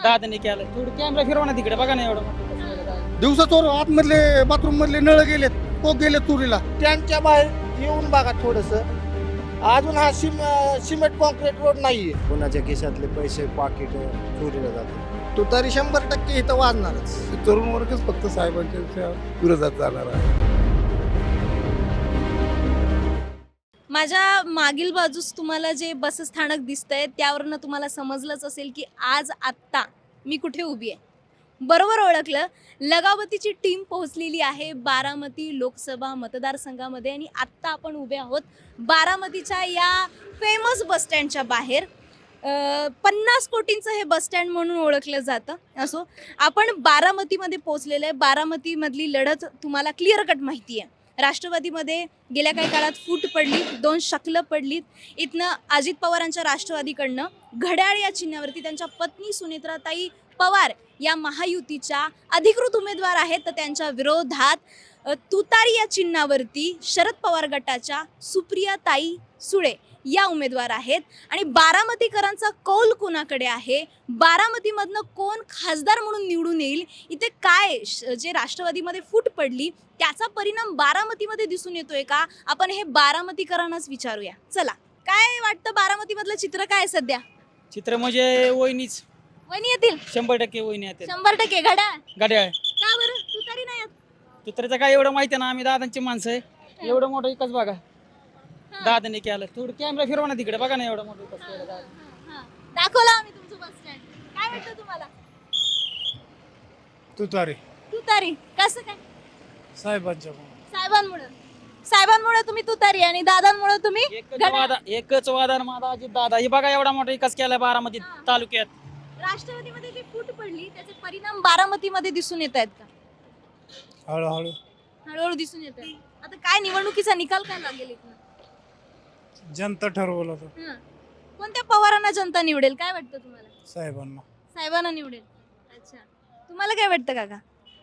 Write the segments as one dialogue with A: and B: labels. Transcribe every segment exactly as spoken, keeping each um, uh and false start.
A: दादाने केलं थोडं कॅमेरा फिरवा ना तिकडे बघा ना एवढं
B: दिवसाचोर आतमधले बाथरूम मधले नळ गेलेत कोक गेले चोरीला.
C: टँकच्या बाहेर येऊन बघा थोडस अजून हा सिम सिमेंट कॉन्क्रीट रोड नाहीये.
D: कोणाच्या खिशातले पैसे पाकिट चोरीला जातात.
C: तुतारी शंभर टक्के इथं वाजणारच.
B: तरुण वर्गच फक्त साहेबांच्या विरोधात जाणार आहे.
E: माझ्या मागील बाजूस तुम्हाला जे बस स्थानक दिसतंय त्यावरनं तुम्हाला समजलंच असेल की आज आत्ता मी कुठे उभी आहे. बरोबर ओळखलं, लगावतीची टीम पोहोचलेली आहे बारामती लोकसभा मतदारसंघामध्ये आणि आत्ता आपण उभे आहोत बारामतीच्या या फेमस बसस्टँडच्या बाहेर. पन्नास कोटींचं हे बसस्टँड म्हणून ओळखलं जातं. असो, आपण बारामतीमध्ये पोहोचलेलं आहे. बारामतीमधली लढत तुम्हाला क्लिअर कट माहिती आहे. राष्ट्रवादीमध्ये गेल्या काही काळात फूट पडली, दोन शकलं पडलीत. इथनं अजित पवारांच्या राष्ट्रवादीकडनं घड्याळ या चिन्हावरती त्यांच्या पत्नी सुनेत्राताई पवार या महायुतीच्या अधिकृत उमेदवार आहेत, तर त्यांच्या विरोधात तुतारी या चिन्हावरती शरद पवार गटाच्या सुप्रियाताई सुळे या उमेदवार आहेत. आणि बारामतीकरांचा कौल कोणाकडे आहे, बारामतीमधनं कोण खासदार म्हणून निवडून येईल, इथे काय जे राष्ट्रवादीमध्ये फूट पडली त्याचा परिणाम बारामतीमध्ये दिसून येतोय का, आपण हे बारामतीकरांनाच विचारूया. चला, काय वाटतं बारामतीमधलं चित्र काय आहे सध्या?
A: चित्र म्हणजे वहिनीच
E: वहिनी येतील
A: शंभर टक्के वहिनी येते
E: शंभर टक्के. घड्याळ
A: गाड्या
E: का बरं? तुतारी नाही येत?
A: तुतारीचं काय एवढं माहिती ना, आम्ही दादांची माणसं आहे. एवढं मोठं एकच बघा दादाने केलं थोडं कॅमेरा फिरवा ना तिकडे बघा ना एवढं मोठं एकच केलं दादा.
E: दाखवलं आम्ही तुमचं बस स्टँड. काय वाटतं तुम्हाला?
B: तुतारी
E: तुतारी कसं काय?
B: साहेबांच्या
E: साहेबांमुळे साहेबांमुळे तुम्ही तुतारी आणि दादांमुळे तुम्ही
A: एकच
E: घड्याळ.
A: वादा एकच वादा माझा अजित दादा. हे बघा एवढा मोठा विकास केलाय बारामती
E: हा.
A: तालुक्यात.
E: राष्ट्रवादीमध्ये जी फूट पडली त्याचे परिणाम बारामतीमध्ये दिसून येत आहेत का?
B: हळूहळू
E: हळूहळू दिसून येत आहेत. आता काय निवडणुकीचा निकाल काय लागेल इथनं?
B: जनता ठरवलं होतं
E: हं. कोणत्या पवारांना जनता निवडेल काय वाटतं तुम्हाला?
B: साहेबांना.
E: साहेबांना निवडेल. अच्छा, तुम्हाला काय वाटतं काका?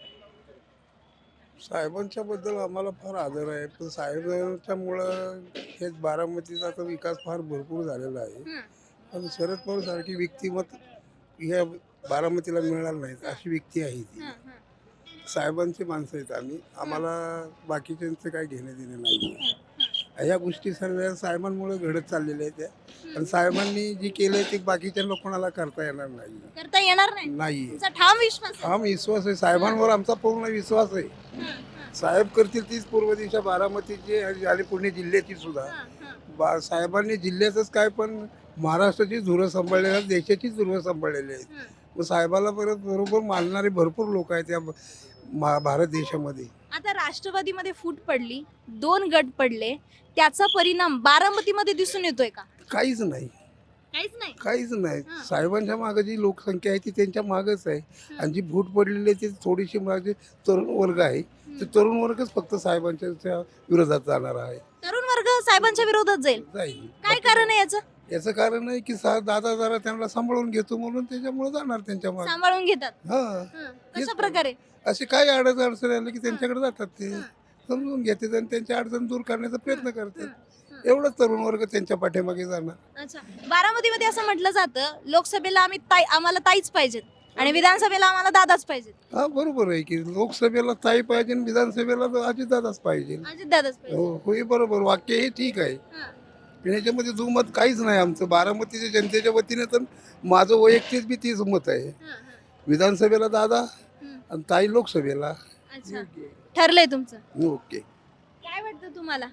B: साहेबांच्या बद्दल आम्हाला फार आदर आहे, पण साहेबांच्यामुळं हे बारामतीचा आता विकास फार भरपूर झालेला आहे.
E: हं.
B: पण शरद पवार सारखी व्यक्तिमत ह्या बारामतीला मिळणार नाहीत अशी व्यक्ती आहे ती.
E: हं, हं.
B: साहेबांची माणसं आहेत आम्ही, आम्हाला बाकीच्यांचं काही घेणं देणं नाही. ह्या गोष्टी सर्व साहेबांमुळे घडत चाललेल्या आहेत त्या, आणि साहेबांनी जे केलंय ते बाकीच्या लोकांना करता येणार नाही.
E: करता येणार नाही
B: नाही
E: तुमचा ठाम विश्वास आहे?
B: हा विश्वास आहे, साहेबांवर आमचा पूर्ण विश्वास आहे.
E: हं, हं.
B: साहेब करतील तीच पूर्व दिशा बारामतीची आणि पुणे जिल्ह्याची सुद्धा.
E: हं, हं.
B: बा साहेबांनी जिल्ह्याचंच काय पण महाराष्ट्राची धुरं सांभाळलेली आहेत, देशाची धुरं सांभाळलेली आहेत.
E: हं.
B: मग साहेबाला परत बरोबर मानणारे भरपूर लोक आहेत या मा- भारत देशामध्ये.
E: आता राष्ट्रवादीमध्ये फूट पडली, दोन गट पडले, त्याचा परिणाम बारामतीमध्ये दिसून येतोय का?
B: काहीच नाही,
E: काहीच नाही.
B: काहीच नाही.
E: हां.
B: साहेबांच्या मागे जी लोकसंख्या आहे ती त्यांच्या मागच आहे, आणि जी फूट पडलेली आहे ती थोडीशी मागे तरुण वर्ग आहे. ते तरुण वर्गच फक्त साहेबांच्या त्या विरोधात जाणार आहे,
E: तरुण वर्ग साहेबांच्या विरोधात जाईल.
B: जाईल.
E: काय कारण आहे याचं?
B: याचं कारण आहे की सा दादा जरा त्यांना सांभाळून घेतो म्हणून त्याच्यामुळे जाणार त्यांच्या मागे.
E: सांभाळून घेतात.
B: हा,
E: हं. कशा प्रकारे?
B: असे काय अडचण अडचण आले की त्यांच्याकडे जातात, ते समजून घेतात आणि त्यांच्या अडचण दूर करण्याचा प्रयत्न करतात. एवढंच तरुण वर्ग त्यांच्या पाठीमागे जाणार.
E: अच्छा, बारामतीमध्ये असं म्हटलं जातं लोकसभेला आम्ही ताई आम्हाला ताईच पाहिजेत आणि विधानसभेला आम्हाला दादाच पाहिजेत.
B: हा बरोबर आहे की लोकसभेला ताई पाहिजे आणि विधानसभेला अजितदादाच पाहिजे.
E: अजित दादाच
B: हो
E: पाहिजे.
B: होय, बरोबर वाक्य हे ठीक आहे.
E: हं.
B: पण याच्यामध्ये दुमत काहीच नाही आमचं बारामतीच्या जनतेच्या वतीने, तर माझं वैयक्तिक बी तीच मत आहे.
E: हं, हं.
B: विधानसभेला दादा
E: हं.
B: आणि ताई लोकसभेला.
E: अच्छा, ठरलंय तुमचं.
B: ओके.
E: काय वाटतं तुम्हाला?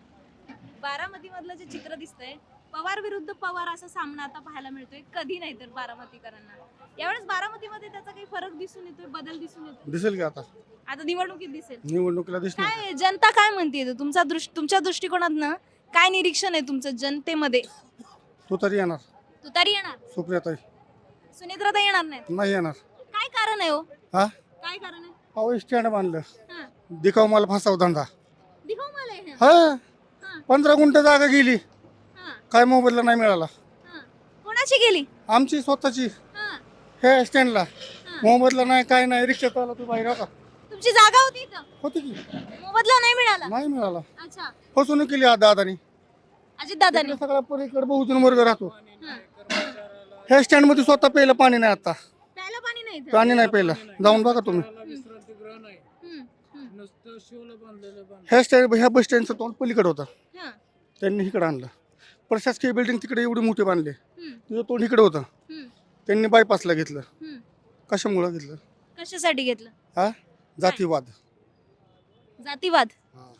E: बारामती मधलं जे चित्र दिसतंय, पवार विरुद्ध पवार असा सामना आता पाहायला मिळतोय. कधी नाही तर बारामतीकरांना यावेळेस बारामतीमध्ये त्याचा काही फरक दिसून येतोय, बदल दिसून येतोय?
B: दिसेल की आता
E: आता निवडणुकीत दिसेल.
B: निवडणुकीला दिसणार.
E: काय जनता काय म्हणते तुमचा दृष्ट तुमच्या दृष्टिकोनातनं काय निरीक्षण आहे तुमचं जनतेमध्ये?
B: तो तरी येणार.
E: तुतारी येणार,
B: सुप्रियाताई
E: सुनेत्राताई येणार नाहीत.
B: नाही येणार.
E: काय कारण आहे हो?
B: हा,
E: काय कारण आहे?
B: अहो स्टँड बांधलं,
E: हं.
B: दिखाव मला फसाव धंदा.
E: दिखाऊ मला हे.
B: हा,
E: हं.
B: पंधरा गुंठ जागा गेली,
E: हं.
B: काय मोबदला नाही मिळाला.
E: हं. कोणाची गेली?
B: आमची स्वतःची
E: हं.
B: हे स्टँडला
E: हं.
B: मोबदला नाही, काय नाही. रिक्षात आला तू बाहेर का
E: तुमची जागा होती इथं,
B: होती की
E: मोबदला नाही मिळाला.
B: नाही मिळाला.
E: अच्छा,
B: फसवणूक केली आज दादानी.
E: अजित दादांनी.
B: इकडे सगळा पलीकडे बहुजन वर्ग राहतो. ह्या स्टँड मध्ये स्वतः प्यायला पाणी नाही आता.
E: प्यायला पाणी नाही इथं.
C: प्राणी नाही पहिला जाऊन बघा तुम्ही.
E: हम्म, हम्म.
C: ह्या स्टँड ह्या बस स्टँडचं तोंड पलीकडे होतं,
E: हा,
C: त्यांनी इकडे आणलं. प्रशासकीय बिल्डिंग तिकडे एवढी मोठी बांधली,
E: हम्म,
C: तिचं तोंड इकडे होतं,
E: हम्म,
C: त्यांनी बायपासला घेतलं.
E: हम्म.
C: कशामुळं घेतलं?
E: कशासाठी घेतलं?
C: हा, जातीवाद.
E: जातीवाद.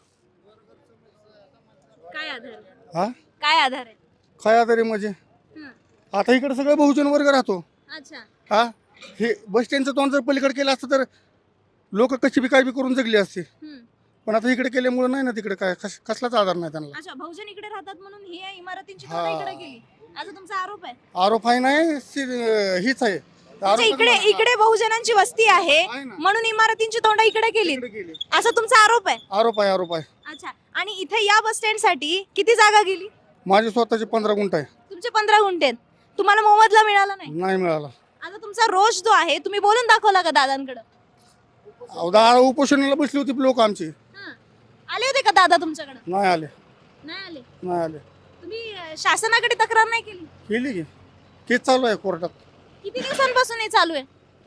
E: काय आधार आहे?
C: हा,
E: काय आधार आहे?
C: काय आधारे म्हणजे
E: हं,
C: आता इकडे सगळं बहुजन वर्ग राहतो.
E: अच्छा.
C: हा, हे बस स्टँडचं तोंड जर पलीकडे केलं असतं तर लोक कशी बी काय बी करून जगली असते,
E: हं.
C: पण आता इकडे केल्यामुळे नाही ना, तिकडे काय कस कसलाच आधार नाही त्यांना.
E: अच्छा, बहुजन इकडे राहतात म्हणून ही या इमारतींची
C: हा.
E: तोडा इकडे केली असं तुमचा आरोप आहे?
C: आरोप आहे नाही, सी- हीच आहे.
E: म्हणजे
C: आरोप
E: इकडे इकडे बहुजनांची वस्ती आहे
C: आहे ना.
E: म्हणून इमारतींची तोंड इकडे केली
C: इकडे केली.
E: असा तुमचा आरोप आहे?
C: आरोप आहे, आरोप आहे.
E: अच्छा. आणि इथे या बस स्टँड साठी किती जागा गेली?
C: माझे स्वतःचे पंधरा गुंठ आहे,
E: तुमचे पंधरा गुंठे आहेत. तुम्हाला मोबदला मिळाला नाही?
C: नाही मिळाला.
E: आता तुमचा रोष जो आहे तुम्ही बोलून दाखवला का दादांकडे?
C: अहो, दहा उपोषणाला बसली होती लोक आमची,
E: हं. आले होते का दादा तुमच्याकडे?
C: नाही आले,
E: नाही आले.
C: नाही आले.
E: तुम्ही अं, शासनाकडे तक्रार नाही केली?
C: केली की केस चालू आहे कोर्टात.
E: किती दिवसांपासून हे चालू आहे?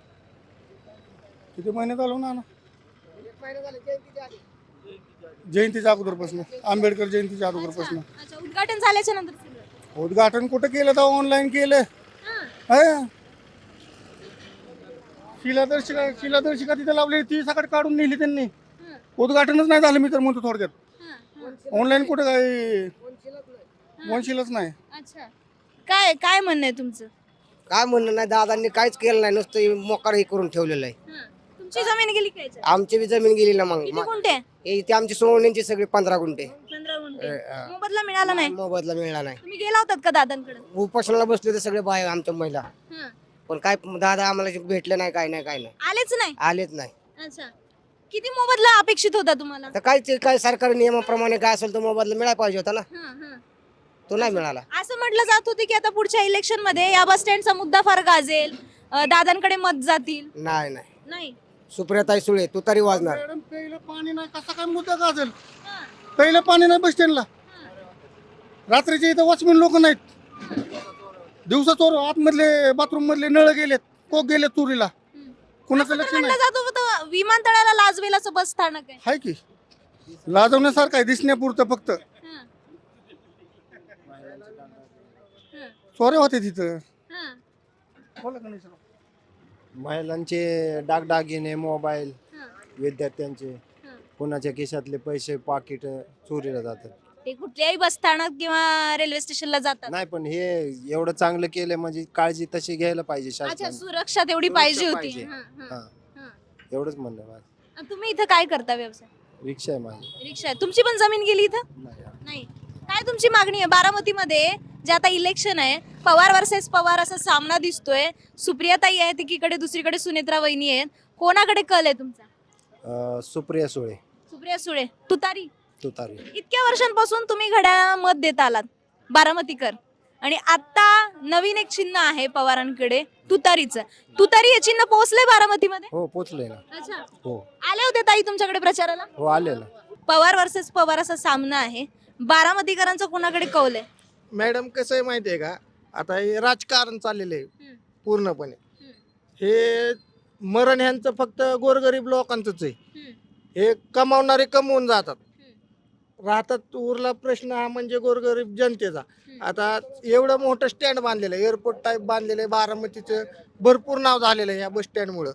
C: किती महिने चालू ना ना? जयंतीच्या अगोदरपासून, आंबेडकर जयंतीच्या अगोदरपासून.
E: अच्छा, उद्घाटन झाल्याच्या नंतर सगळं?
C: उद्घाटन कुठं केलं तर ऑनलाईन केलं.
E: हं.
C: है. शिलादर्शिका शिलादर्शिका तिथे लावली, ती सकाळ काढून नेली त्यांनी.
E: हं.
C: उद्घाटनच नाही झालं, मी तर म्हणतो थोडक्यात.
E: हं. हं.
C: ऑनलाईन कुठं काय वंशीलच नाही.
E: अच्छा. काय काय म्हणणं आहे तुमचं?
F: काय म्हणणं नाही, दादांनी काहीच केलं नाही, नुसतं मोकार हे करून ठेवलेलं आहे.
E: हं. तुमची जमीन गेली काय याच्यात?
F: आमची बी जमीन गेली ना मग
E: किती गुंठे?
F: हे इथे आमची सोडण्यांची सगळी पंधरा गुंठे
E: पंधरा गुंठे.
F: अं,
E: मोबदला मिळाला नाही?
F: मोबदला मिळाला नाही.
E: तुम्ही गेला होतात का दादांकडे?
F: उपोषणाला बसले होते सगळे बाय आमच्या महिला,
E: हं.
F: पण काय दादा आम्हाला भेटले नाही, काय नाही काय नाही,
E: आलेच नाही?
F: आलेच नाही.
E: अच्छा. किती मोबदला अपेक्षित होता तुम्हाला?
F: तर काय ते काय सरकारी नियमाप्रमाणे काय असेल तो मोबदला मिळायला पाहिजे होता ना,
E: हं, हं.
F: तो नाही मिळाला.
E: असं म्हटलं जात होते की आता पुढच्या इलेक्शन मध्ये या बस स्टँडचा मुद्दा फार गाजेल, अं, दादांकडे मत जातील.
F: नाही नाही,
E: नाही.
F: सुप्रियाताई सुळे तू तरी वाजणार.
C: मॅडम, प्यायला पाणी नाही, कसा काय मुद्दा गाजल?
E: हं.
C: प्यायला पाणी नाही बस स्टँडला. रात्रीचे इथं वॉचमॅन लोक नाहीत, दिवसा चोर आतमधले बाथरूम मधले नळ गेलेत, कोक गेले चोरीला,
E: हं.
C: कुणाचं
E: असं तर
C: लक्ष
E: म्हटलं
C: नाही.
E: जात होतं विमानतळाला लाजवेल असं बस स्थानक आहे.
C: हाय की लाजवण्यासारखं आहे, दिसण्यापुरतं फक्त.
E: हं. हं.
C: चोऱ्या होते तिथं.
E: हं.
C: बोला का नाही सर?
D: महिलांचे दागदागिने, मोबाईल,
E: हं.
D: विद्यार्थ्यांचे,
E: हं.
D: कोणाच्या खिशातले पैसे, पाकिट चोरीला जातात.
E: ते कुठल्याही बस स्थानक किंवा रेल्वे स्टेशनला जातात.
D: नाही, पण हे एवढं चांगलं केलं म्हणजे काळजी तशी घ्यायला पाहिजे
E: अच्छा,
D: शासनाने.
E: सुरक्षा तेवढी
D: सुरक्षा
E: पाहिजे होती.
D: पाहिजे.
E: हं, हं,
D: हा,
E: हं.
D: एवढंच म्हणणं माझं.
E: आणि तुम्ही इथं काय करता व्यवसाय?
D: रिक्षा आहे माझी.
E: रिक्षा आहे. तुमची पण जमीन गेली इथं?
D: नाही.
E: नाही. काय तुमची मागणी आहे? बारामतीमध्ये जे आता इलेक्शन आहे, पवार वर्सेस पवार असा सामना दिसतोय. सुप्रियाताई आहेत एकीकडे, दुसरीकडे सुनेत्रा वहिनी आहेत. कोणाकडे कल आहे तुमचा?
D: अं, सुप्रिया सुळे,
E: सुप्रिया सुळे, तुतारी.
D: तुतारी.
E: इतक्या वर्षांपासून तुम्ही घड्याळाला मत देत आलात, बारामतीकर, आणि आता नवीन एक चिन्ह आहे पवारांकडे, तुतारीचं. तुतारी हे चिन्ह पोहोचले बारामतीमध्ये?
D: हो, पोचले ना.
E: अच्छा.
D: हो
E: आले होते ताई तुमच्याकडे प्रचाराला?
D: हो आलेलं.
E: पवार वर्सेस पवार असा सामना आहे. बारामतीकरांचा कोणाकडे कौल आहे?
C: मॅडम, कसं आहे माहिती आहे का, आता हे राजकारण चाललेलं आहे
E: हं.
C: पूर्णपणे.
E: हं.
C: हे मरण ह्यांचं फक्त गोरगरीब लोकांचंच आहे.
E: हं.
C: हे कमावणारे कमवून जातात,
E: हं.
C: राहतात. उरला प्रश्न हा म्हणजे गोरगरीब जनतेचा.
E: हं.
C: आता एवढं मोठं स्टँड बांधलेलं आहे, एअरपोर्ट टाईप बांधलेलं आहे, बारामतीचं भरपूर नाव झालेलं आहे या बस स्टँडमुळं.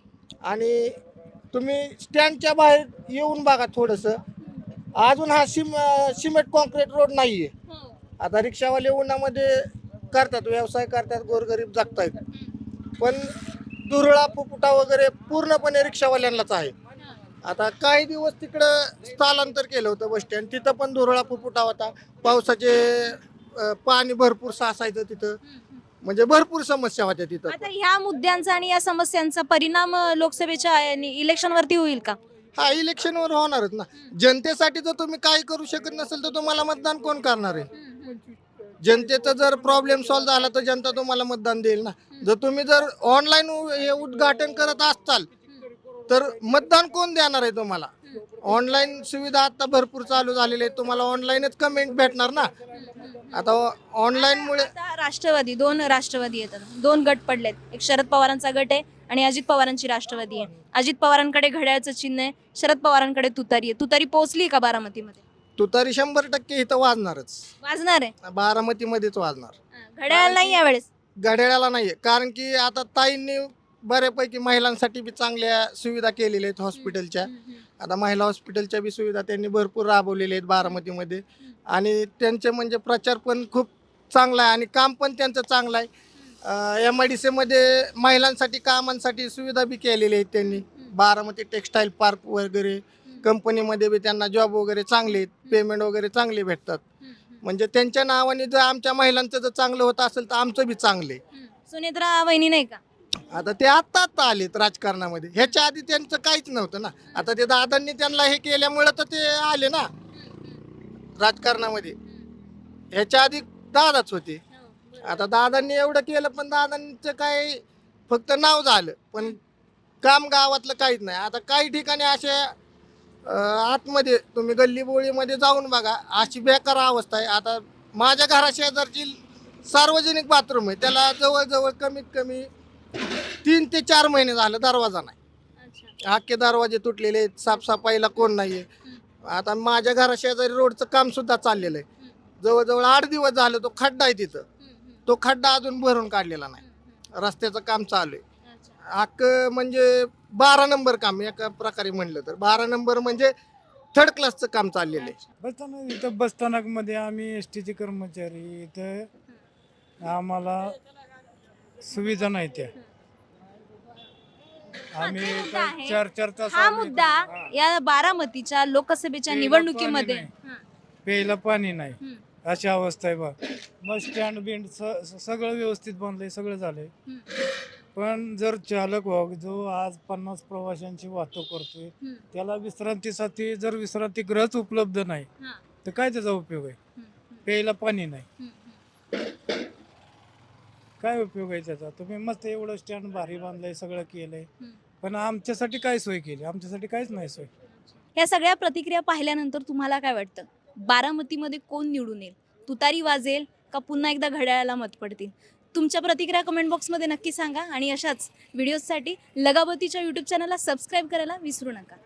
C: आणि तुम्ही स्टँडच्या बाहेर येऊन बघा थोडंसं, अजून हा सिम सिमेंट कॉन्क्रीट रोड नाही आहे.
E: हो.
C: आता रिक्षावाले उन्हामध्ये करतात, व्यवसाय करतात, गोरगरीब जगतायत, पण दुरळा फुफुटा वगैरे पूर्णपणे रिक्षावाल्यांनाच आहे. आता काही दिवस तिकडं स्थलांतर केलं होतं बस स्टँड, तिथं पण धुरळा फुफुटा होता, पावसाचे अं, पाणी भरपूर साचायचं तिथं, म्हणजे भरपूर समस्या होत्या तिथं.
E: आता ह्या मुद्द्यांचा आणि या समस्यांचा परिणाम अ, लोकसभेच्या इलेक्शन वरती होईल का?
C: हा, इलेक्शनवर होणारच ना. जनतेसाठी जर तुम्ही काही करू शकत नसेल तर तुम्हाला मतदान कोण करणार आहे? जनतेचा जर प्रॉब्लेम सॉल्व्ह झाला तर जनता तुम्हाला मतदान देईल ना. जर तुम्ही जर ऑनलाईन हे उद्घाटन करत असाल तर मतदान कोण देणार आहे तुम्हाला? ऑनलाईन सुविधा आता भरपूर चालू झालेली आहे, तुम्हाला ऑनलाईनच कमेंट भेटणार ना. आता ऑनलाईनमुळे
E: आता राष्ट्रवादी दोन राष्ट्रवादी येतात, दोन गट पडलेत. एक शरद पवारांचा गट आहे आणि अजित पवारांची राष्ट्रवादी आहे. अजित पवारांकडे घड्याळाचं चिन्ह आहे, शरद पवारांकडे तुतारी आहे. तुतारी पोहोचली का बारामतीमध्ये?
C: तुतारी शंभर टक्के इथं वाजणारच,
E: वाजणार आहे.
C: बारामतीमध्येच वाजणार.
E: घड्याळ नाही यावेळेस.
C: घड्याळाला नाहीये, कारण की आता ताईंनी बऱ्यापैकी महिलांसाठी बी चांगल्या सुविधा केलेल्या आहेत हॉस्पिटलच्या. आता महिला हॉस्पिटलच्या बी सुविधा त्यांनी भरपूर राबवलेल्या आहेत बारामतीमध्ये, आणि त्यांचे म्हणजे प्रचार पण खूप चांगला आहे आणि काम पण त्यांचं चांगलं आहे. एम आय डी सीमध्ये महिलांसाठी कामांसाठी सुविधा बी केलेल्या आहेत त्यांनी. बारामती टेक्स्टाईल पार्क वगैरे कंपनीमध्ये बी त्यांना जॉब वगैरे चांगले आहेत, पेमेंट वगैरे चांगले भेटतात. म्हणजे त्यांच्या नावाने जर आमच्या महिलांचं जर चांगलं होत असेल तर आमचं बी चांगले.
E: सुनेत्रा वहिनी नाही का?
C: आता ते आत्ता आत्ता आलेत राजकारणामध्ये, ह्याच्या आधी त्यांचं काहीच नव्हतं ना. आता ते दादांनी त्यांना हे केल्यामुळं तर ते आले ना राजकारणामध्ये. ह्याच्या आधी दादाच होते. आता दादांनी एवढं केलं, पण दादांचं काय फक्त नाव झालं, पण काम गावातलं काहीच नाही. आता काही ठिकाणी अशा अं, आतमध्ये तुम्ही गल्ली बोळीमध्ये जाऊन बघा, अशी बेकार अवस्था आहे. आता माझ्या घराशेजारची सार्वजनिक बाथरूम आहे, त्याला जवळजवळ कमीत कमी तीन ते चार महिने झालं दरवाजा नाही. अख्खे दरवाजे तुटलेले आहेत, साफसफाईला कोण नाहीये. आता माझ्या घराशेजारी रोडचं काम सुद्धा चाललेलं आहे. जवळजवळ आठ दिवस झालं तो खड्डा आहे तिथं, तो खड्डा अजून भरून काढलेला नाही. रस्त्याचं काम चालू आहे. अख्ख म्हणजे बारा नंबर काम एका प्रकारे म्हणलं तर. बारा नंबर म्हणजे थर्ड क्लासचं काम चाललेलं आहे.
G: बसस्थानक इथं बसस्थानकमध्ये आम्ही एस टीचे कर्मचारी, इथं आम्हाला सुविधा नाही त्या. आम्ही
E: हा, मुद्दा आहे.
G: चार चार तास
E: हा
G: आम्ही-
E: मुद्दा
G: हा.
E: या बारामतीच्या लोकसभेच्या
G: प्यायला
E: निवडणुकीमध्ये
G: पाणी
E: हा.
G: प्यायला पाणी नाही,
E: हम्म.
G: अशी अवस्था आहे बा. बस स्टँड बिंड स- स- सगळं व्यवस्थित बनलंय, सगळं झालंय.
E: हम्म.
G: पण जर चालक वाहक जो आज पन्नास प्रवाशांची वाहतूक करतोय,
E: हम्म.
G: त्याला विश्रांतीसाठी जर विश्रांतीगृहच उपलब्ध नाही
E: हा.
G: तर काय त्याचा उपयोग आहे?
E: हम्म.
G: प्यायला पाणी नाही,
E: हम्म.
G: काय उपयोग आहे त्याचा? तुम्ही मस्त एवढं स्टँड भारी बांधलंय, सगळं केलंय,
E: हम्म.
G: पण आमच्यासाठी काय सोय केली? आमच्यासाठी काहीच नाही सोय.
E: या सगळ्या प्रतिक्रिया पाहिल्यानंतर तुम्हाला काय वाटतं? बारामतीमध्ये कोण निवडून येईल? तुतारी वाजेल का पुन्हा एकदा घड्याळाला मत पडतील? तुमच्या प्रतिक्रिया कमेंट बॉक्समध्ये नक्की सांगा आणि अशाच व्हिडिओजसाठी लगाबतीच्या यूट्यूब चॅनलला सबस्क्राईब करायला विसरू नका.